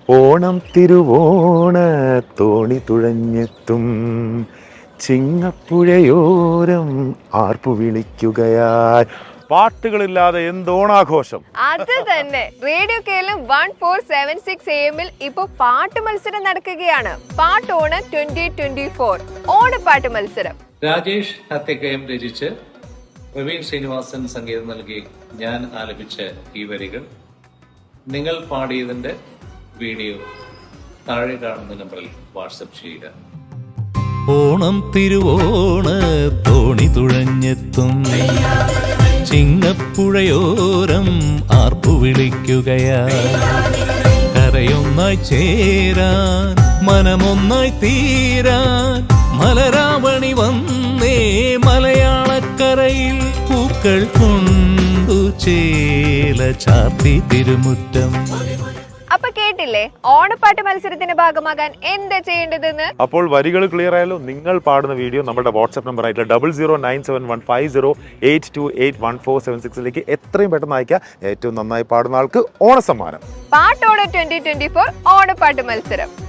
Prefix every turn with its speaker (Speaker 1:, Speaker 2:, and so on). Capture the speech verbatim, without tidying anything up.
Speaker 1: ഓണം തിരുവോണ തോണി തുഴഞ്ഞെത്തും ചിങ്ങപ്പുഴയോരം ആർപ്പു വിളിക്കുകയായി. പാട്ടുകളില്ലാതെ എന്തോണാഘോഷം.
Speaker 2: അത് തന്നെ. Radio Keralam one four seven six A എമ്മിൽ ഇപ്പൊ പാട്ട് മത്സരം നടക്കുകയാണ്. പാട്ടോണ് ട്വന്റി ട്വന്റി ഫോർ ഓണപ്പാട്ട് മത്സരം.
Speaker 3: രാജേഷ് ഹത്യക്കയം രചിച്ച് പ്രവീൺ ശ്രീനിവാസൻ സംഗീതം നൽകി ഞാൻ ആലപിച്ച ഈ വരികൾ നിങ്ങൾ പാടിയതിന്റെ വീഡിയോ താഴെ കാണുന്ന നമ്പറിൽ വാട്സപ്പ് ചെയ്യുക.
Speaker 4: ഓണം തിരുവോണ തോണി തുഴഞ്ഞെത്തും ചിങ്ങപ്പുഴയോരം ആർപ്പു വിളിക്കുകയാ. കരയൊന്നായി ചേരാൻ മനമൊന്നായി തീരാൻ മലരാവണി വന്നേ മലയാളക്കരയിൽ പൂക്കൾ കൊണ്ടു ചേല ചാർത്തി തിരുമുറ്റം.
Speaker 2: അപ്പൊ കേട്ടില്ലേ ഓണപ്പാട്ട് മത്സരത്തിന്റെ ഭാഗമാകാൻ എന്താ ചെയ്യേണ്ടതെന്ന്?
Speaker 1: അപ്പോൾ വരികൾ ക്ലിയർ ആയാലോ? നിങ്ങൾ പാടുന്ന വീഡിയോ നമ്മുടെ വാട്സ്ആപ്പ് നമ്പർ ആയിട്ടുള്ള double zero nine seven one five zero eight two eight one four seven സിക്സിലേക്ക് എത്രയും പെട്ടെന്ന് അയക്കുക. ഏറ്റവും നന്നായി പാടുന്ന ആൾക്ക് ഓണസമ്മാനം.
Speaker 2: പാട്ടോണ് ട്വന്റി ട്വന്റി ഫോർ ഓണപ്പാട്ട് മത്സരം.